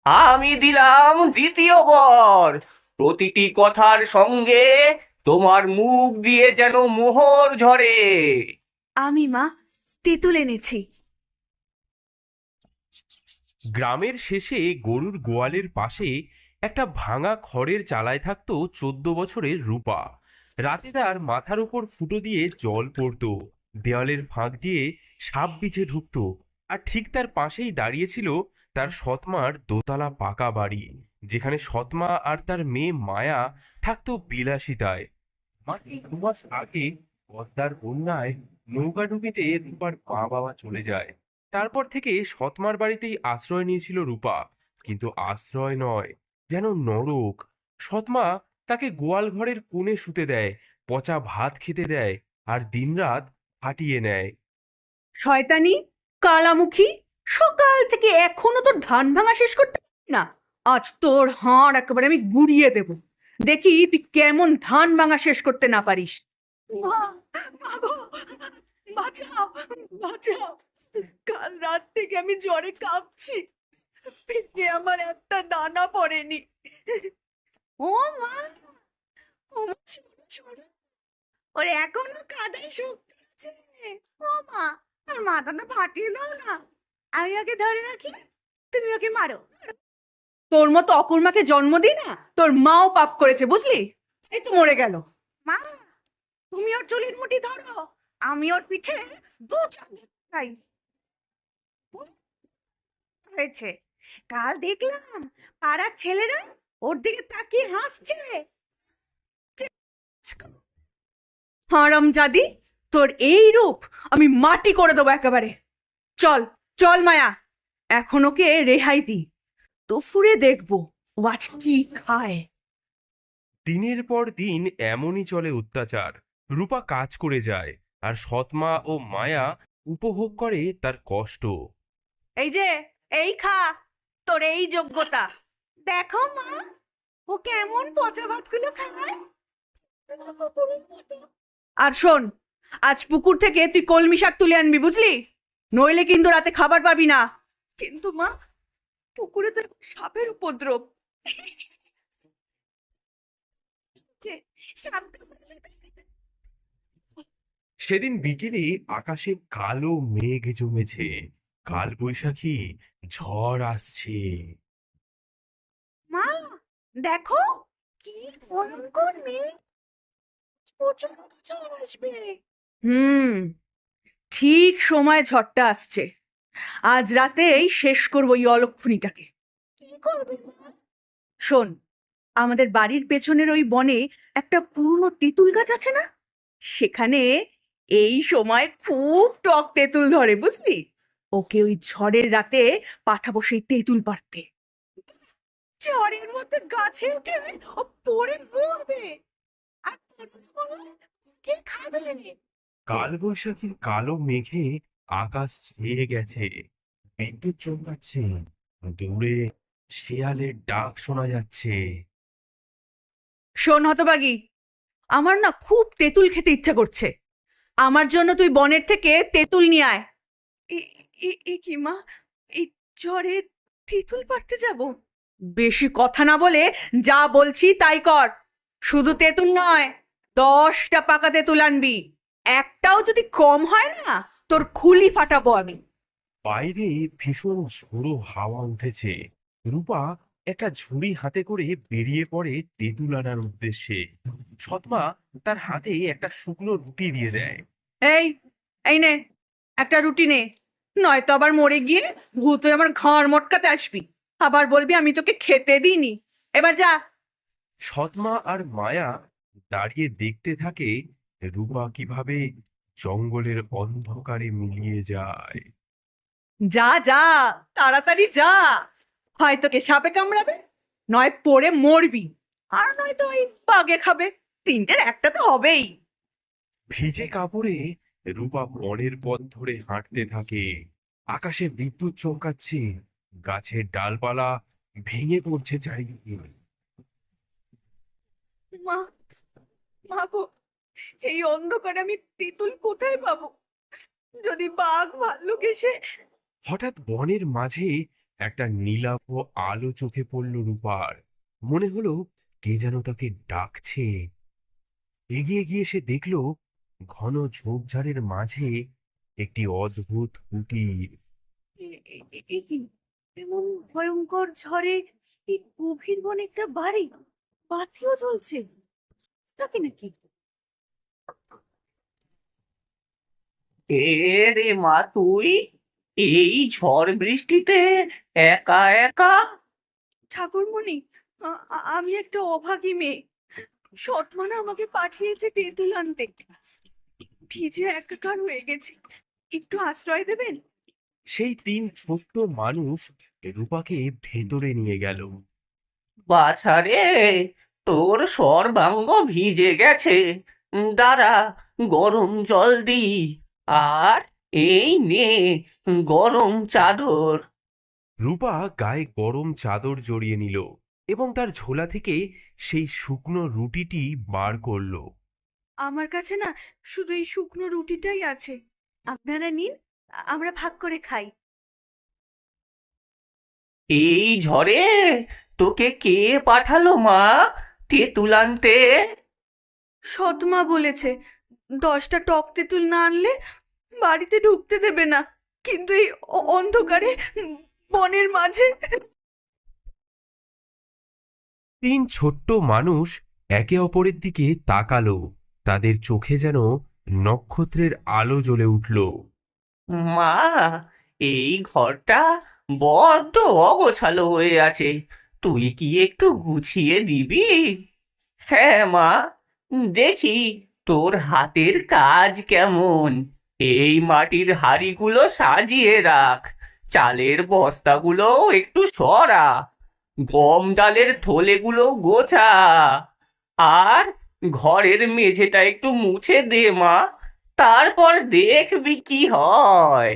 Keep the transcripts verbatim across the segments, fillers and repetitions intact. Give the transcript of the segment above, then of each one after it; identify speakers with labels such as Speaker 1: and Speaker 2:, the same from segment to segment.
Speaker 1: আমি দিলাম দ্বিতীয় বর। প্রতিটি কথার সঙ্গে তোমার মুখ দিয়ে যেন মোহর ঝরে।
Speaker 2: আমি মা তেঁতুল এনেছি।
Speaker 3: গ্রামের শেষে গরুর গোয়ালের পাশে একটা ভাঙা খড়ের চালায় থাকতো চোদ্দ বছরের রূপা। রাতে তার মাথার উপর ফুটো দিয়ে জল পড়তো, দেওয়ালের ফাঁক দিয়ে সাপ বিছে ঢুকতো। আর ঠিক তার পাশেই দাঁড়িয়েছিল তার সৎমার দোতলা পাকা বাড়ি, যেখানে সৎমা আর তার মেয়ে মায়া থাকতো বিলাসিতায়। মাত্র দু মাস আগে পদ্মার বন্যায় নৌকাডুবিতে রূপার মা বাবা চলে যায়। তারপর থেকে সৎমার বাড়িতেই আশ্রয় নিয়েছিল রূপা, কিন্তু আশ্রয় নয়, যেন নরক। সৎমা তাকে গোয়াল ঘরের কোণে শুতে দেয়, পচা ভাত খেতে দেয়, আর দিনরাত হাঁটিয়ে নেয়।
Speaker 2: শয়তানি, কালামুখী, সকাল থেকে এখনো তোর ধান ভাঙা শেষ করতে পারলি না। আজ তোর হাড় একেবারে আমি গুড়িয়ে দেব। দেখি তুই কেমন ধান ভাঙা শেষ করতে না পারিস। মা, মা গো, বাঁচাও, বাঁচাও। কাল রাত থেকে আমি জ্বরে কাঁপছি, পেটে আমার একটা দানা পড়েনি। ও মা, ও মা, শোনো, শোনো। ওর এখনো কাদায় শক্তি আছে। ও মা, ওর মাথাটা ফাটিয়ে দাও না, আমি ওকে ধরে রাখি, তুমি ওকে মারো। তোর মতো অকুর্মাকে জন্ম দি না, তোর মাও পাপ করেছে, বুঝলি? এই তো মরে গেল। মা, তুমি ওর চুলের মুঠি ধরো, আমি ওর পিঠে দু চাই। হয়েছে, কাল দেখলাম পাড়ার ছেলেরা ওর দিকে তাকিয়ে হাসছে। হারামজাদি, তোর এই রূপ আমি মাটি করে দেবো একেবারে। চল, চল মায়া, এখন ওকে রেহাই দি, তো ফুরে দেখবো ও আজ কি খায়।
Speaker 3: দিনের পর দিন এমনই চলে অত্যাচার। রূপা কাজ করে যায়, আর সৎমা ও মায়া উপভোগ করে তার কষ্ট।
Speaker 2: এই যে, এই খা, তোর এই যোগ্যতা। দেখো মা, ও কেমন পচা ভাতগুলো খায়, কুকুরের মতো। আর শোন, আজ পুকুর থেকে তুই কলমি শাক তুলে আনবি, বুঝলি? নইলে কিন্তু রাতে খাবার পাবি না। কিন্তু মা, পুকুরে তো এখন সাপের উপদ্রব।
Speaker 3: সেদিন বিকেলে আকাশে কালো মেঘ জমেছে, কাল বৈশাখী ঝড় আসছে।
Speaker 2: মা, দেখো কি ভয়ঙ্কর মেঘ, প্রচন্ড ঝড় আসবে। হুম, ঠিক সময় ঝড়টা আসছে। আজ রাতেই শেষ করবো এই অলক্ষণীটাকে। কি করবে মা? শোন, আমাদের বাড়ির পেছনের ওই বনে একটা পুরনো তেঁতুল গাছ আছে না, সেখানে এই সময় খুব টক তেঁতুল ধরে, বুঝলি? ওকে ওই ঝড়ের রাতে পাঠাবো সেই তেঁতুল পাড়তে। ঝড়ের মধ্যে গাছে উঠে ও পড়ে মরবে, আর পড়ে মরলে কে খাবে?
Speaker 3: কাল বৈশাখীর কালো মেঘে আকাশ ছেয়ে গেছে, বিদ্যুৎ চমকাচ্ছে, দূরে শেয়ালের ডাক শোনা যাচ্ছে।
Speaker 2: শোন হতবাগি, আমার না খুব তেঁতুল খেতে ইচ্ছা করছে। আমার জন্য তুই বনের থেকে তেঁতুল নিয়ে আয়। এ- এ- এ কি মা, এই ঝড়ে তেঁতুল পাড়তে যাব? বেশি কথা না বলে যা বলছি তাই কর। শুধু তেঁতুল নয়, দশটা পাকা তেঁতুল আনবি। একটাও যদি কম হয় না, তোর খুলি ফাটাবো আমি।
Speaker 3: বাইরে ভীষণ ঝোড়ো হাওয়া উঠেছে। রূপা একটা ঝুড়ি হাতে করে বেরিয়ে পড়ে তেঁতুল আনার উদ্দেশ্যে। সৎমা তার হাতে একটা শুকনো রুটি দিয়ে দেয়।
Speaker 2: এই, এই নে, একটা রুটি নে, নয়তো আবার মরে গিয়ে ভূত হয়ে আমার ঘাড় মটকাতে আসবি, আবার বলবি আমি তোকে খেতে দিইনি। এবার যা।
Speaker 3: সৎমা আর মায়া দাঁড়িয়ে দেখতে থাকে রূপা কিভাবে জঙ্গলের অন্ধকারে মিলিয়ে যায়।
Speaker 2: যা যা, তাড়াতাড়ি যা। হয় তোকে সাপে কামড়াবে, নয় পড়ে মরবি, আর নয়তো ওই বাগে খাবে। তিনটের একটা তো হবেই।
Speaker 3: ভিজে কাপড়ে রূপা বনের পথ ধরে হাঁটতে থাকে। আকাশে বিদ্যুৎ চমকাচ্ছে, গাছের ডালপালা ভেঙে পড়ছে চারিদিকে।
Speaker 2: মা, মা গো, এই অন্ধকারে আমি তেঁতুল কোথায় পাবো? যদি বাঘ ভাল্লুক এসে।
Speaker 3: হঠাৎ বনের মাঝে একটা নীলাভ আলো চোখে পড়ল রূপার। মনে হলো কে যেন তাকে ডাকছে। এগিয়ে গিয়ে সে দেখল ঘন ঝোপঝাড়ের মাঝে একটি অদ্ভুত কুটির।
Speaker 2: এ- এ- এ- এ কি এমন ভয়ঙ্কর ঝড়ে এই গভীর বনে একটা বাড়ি, বাতিও জ্বলছে, কি নাকি?
Speaker 1: এ রে মা তুই এই ঝড় বৃষ্টিতে একা একা?
Speaker 2: ঠাকুরমণি, আ- আ- আমি একটা অভাগী মেয়ে। সৎমানা আমাকে পাঠিয়েছে তেঁতুল আনতে। ভিজে একাকার হয়ে গেছি, একটু আশ্রয় দেবেন?
Speaker 3: সেই তিন ছোট্ট মানুষ রূপাকে ভেতরে নিয়ে গেল।
Speaker 1: বাছা রে, তোর সর্বাঙ্গ ভিজে গেছে, দাঁড়া গরম জল দি, আর এই নে গরম চাদর।
Speaker 3: রূপা গায়ে গরম চাদর জড়িয়ে নিল এবং তার ঝোলা থেকে সেই শুকনো রুটিটি বার করলো।
Speaker 2: আমার কাছে না শুধু এই শুকনো রুটিটাই আছে, আপনারা নিন, আ- আমরা ভাগ করে খাই।
Speaker 1: এই ঝড়ে তোকে কে পাঠালো মা তেঁতুল আনতে?
Speaker 2: সৎমা বলেছে দশটা টক তেঁতুল না আনলে বাড়িতে ঢুকতে দেবে না, কিন্তু এই অ- অন্ধকারে উম, বনের মাঝে।
Speaker 3: তিন ছোট্ট মানুষ একে অপরের দিকে তাকালো। তাদের চোখে যেন নক্ষত্রের আলো জ্বলে উঠল।
Speaker 1: মা, এই ঘরটা বড্ড অগোছালো হয়ে আছে, তুই কি একটু গুছিয়ে দিবি? হ্যাঁ মা, দেখি তোর হাতের কাজ কেমন। এই মাটির হাঁড়িগুলো সাজিয়ে রাখ, চালের বস্তাগুলো একটু সরা, গম ডালের থলেগুলো গোছা, আর ঘরের মেঝেটা একটু মুছে দে মা, তারপর দেখবি কি হয়।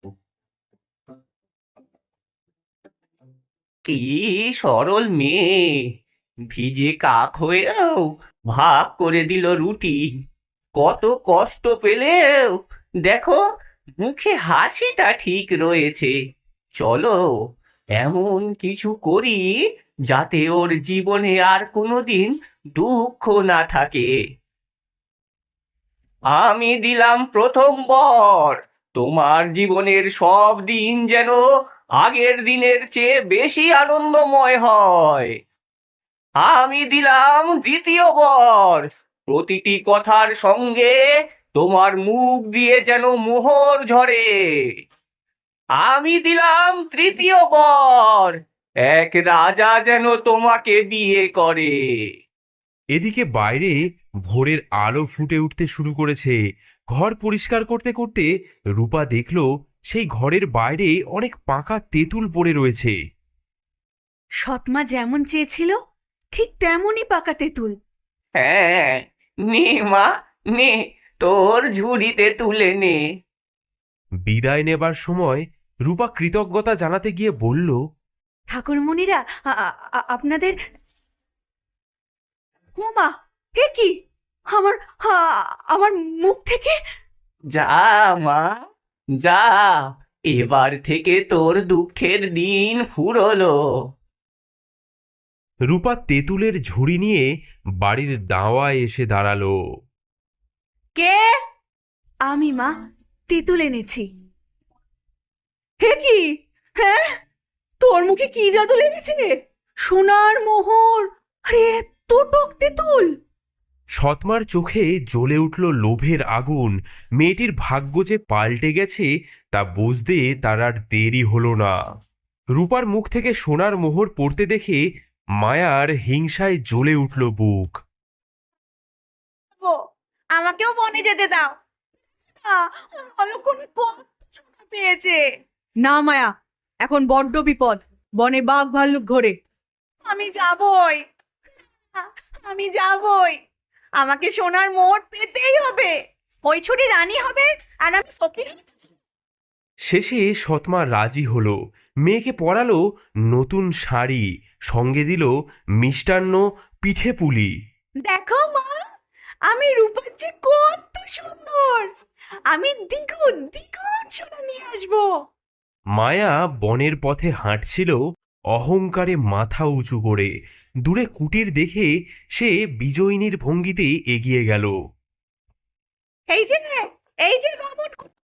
Speaker 1: কি সরল মেয়ে, ভিজে কাক হয়েও ভাগ করে দিল রুটি। কত কষ্ট পেলেও দেখো মুখে হাসিটা ঠিক রয়েছে। চলো এমন কিছু করি যাতে ওর জীবনে আর কোনোদিন দুঃখ না থাকে। আমি দিলাম প্রথম বর, তোমার জীবনের সব দিন যেন আগের দিনের চেয়ে বেশি আনন্দময় হয়। আমি দিলাম দ্বিতীয় বর, প্রতিটি কথার সঙ্গে তোমার মুখ দিয়ে যেন মোহর ঝরে। আমি দিলাম তৃতীয় বর, এক রাজা যেন তোমাকে বিয়ে করে।
Speaker 3: এদিকে বাইরে ভোরের আলো ফুটে উঠতে শুরু করেছে। ঘর পরিষ্কার করতে করতে রূপা দেখল সেই ঘরের বাইরে অনেক পাকা তেঁতুল পড়ে রয়েছে।
Speaker 2: সৎমা যেমন চেয়েছিল ঠিক তেমনই পাকা তেঁতুল।
Speaker 1: হ্যাঁ, নে মা, নে তোর ঝুড়িতে তুলে নে।
Speaker 3: বিদায় নেবার সময় রূপা কৃতজ্ঞতা জানাতে গিয়ে বলল,
Speaker 2: ঠাকুরমণিরা, আ- আ- আ- আপনাদের। ওমা, হে কি! আমার আ- আমার মুখ থেকে।
Speaker 1: যা মা, যা, এবার থেকে তোর দুঃখের দিন ফুরলো।
Speaker 3: রূপা তেঁতুলের ঝুড়ি নিয়ে বাড়ির দাওয়ায় এসে দাঁড়ালো।
Speaker 2: কে? আমি মা, তেঁতুল এনেছি। হে কি! হ্যাঁ, তোর মুখে কি জাদু লেগেছে? সোনার মোহর, আরে এত টক তেঁতুল!
Speaker 3: সৎমার চোখে জ্বলে উঠল লোভের আগুন। মেয়েটির ভাগ্য যে পাল্টে গেছে তা বুঝতে তার আর দেরি হলো না। রূপার মুখ থেকে সোনার মোহর পড়তে দেখে মায়ার হিংসায় জ্বলে উঠল বুক।
Speaker 2: ও, আমাকেও বনে যেতে দাও না, অলক্ষণে কত সোনা পেয়েছে। না মায়া, এখন বড্ড বিপদ, বনে বাঘ ভাল্লুক ঘোরে। আমি যাবই, আমি যাবই, আমাকে সোনার মোহর পেতেই হবে। ওই ছুরি রানী হবে আর আমি ফকির হব।
Speaker 3: শেষে সৎমা রাজি হলো। মেয়েকে পরালো নতুন শাড়ি, সঙ্গে দিল মিষ্টান্ন, পিঠে পুলি।
Speaker 2: দেখো মা, আমি রূপার চেয়ে কত সুন্দর, আমি দ্বিগুণ দ্বিগুণ সোনা নিয়ে আসবো।
Speaker 3: মায়া বনের পথে হাঁটছিল অহংকারে মাথা উঁচু করে। দূরে কুটির দেখে সে বিজয়িনীর ভঙ্গিতে এগিয়ে গেল।
Speaker 2: এই যে এই যে বামন,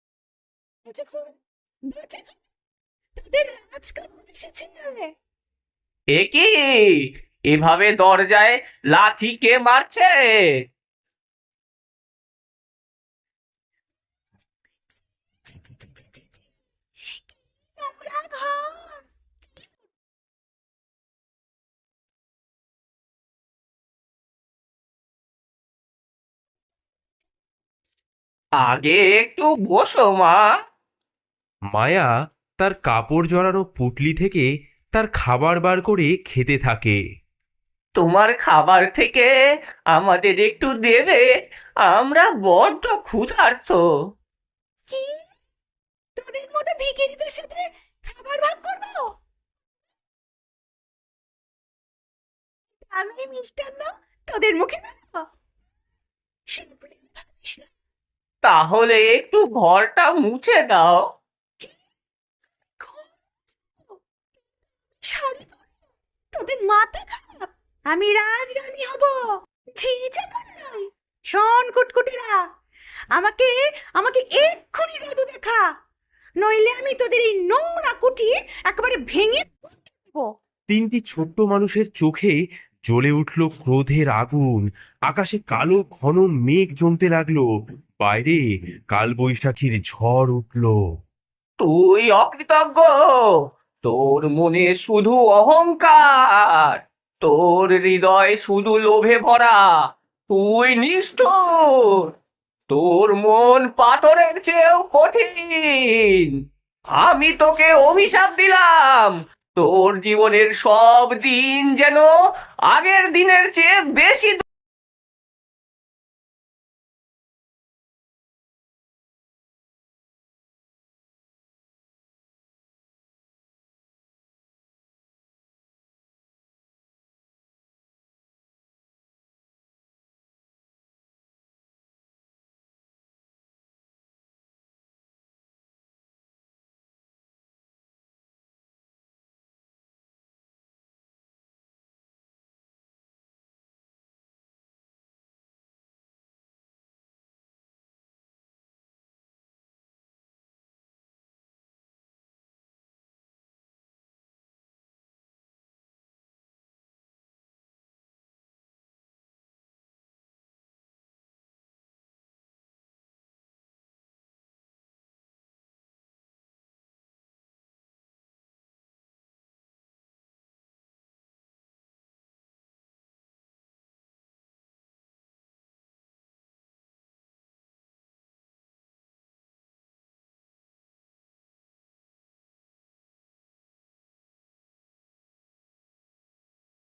Speaker 2: তোদের রাজকন্যা এসেছে।
Speaker 1: এ কি, এভাবে দরজায় লাথি কে মারছে?
Speaker 2: তোমরা ঘর।
Speaker 1: আগে একটু বসো মা।
Speaker 3: মায়া তার কাপড় জড়ানো পুটলি থেকে তার খাবার বার করে খেতে থাকে।
Speaker 1: তোমার খাবার থেকে আমাদের একটু দেবে, আমরা বড্ড ক্ষুধার্ত।
Speaker 2: কি, তোদের মতো ভিখিরিদের সাথে খাবার ভাগ করবো? আমি এই মিষ্টান্ন তোদের মুখে দেবো?
Speaker 1: তাহলে একটু ঘরটা মুছে দাও।
Speaker 2: শাড়ি পরে? তোদের মাথা খারাপ? আমি রাজরানী হব, ঝিঝে নয়। শোন কুটকুটেরা, আমাকে আমাকে এক্ষুনি জাদু দেখা, নইলে আমি তোদের এই নোংরা কুটির একেবারে ভেঙে দেবো।
Speaker 3: তিনটি ছোট্ট মানুষের চোখে জ্বলে উঠল ক্রোধের আগুন। আকাশে কালো ঘন মেঘ জমতে লাগলো। বাইরে কালবৈশাখীর ঝড় উঠল।
Speaker 1: তুই অকৃতজ্ঞ, তোর মনে শুধু অহংকার, তোর হৃদয় শুধু লোভে ভরা, তুই নিষ্ঠুর, তোর মন পাথরের চেয়েও কঠিন। আমি তোকে অভিশাপ দিলাম, তোর জীবনের সব দিন যেন আগের দিনের চেয়ে বেশি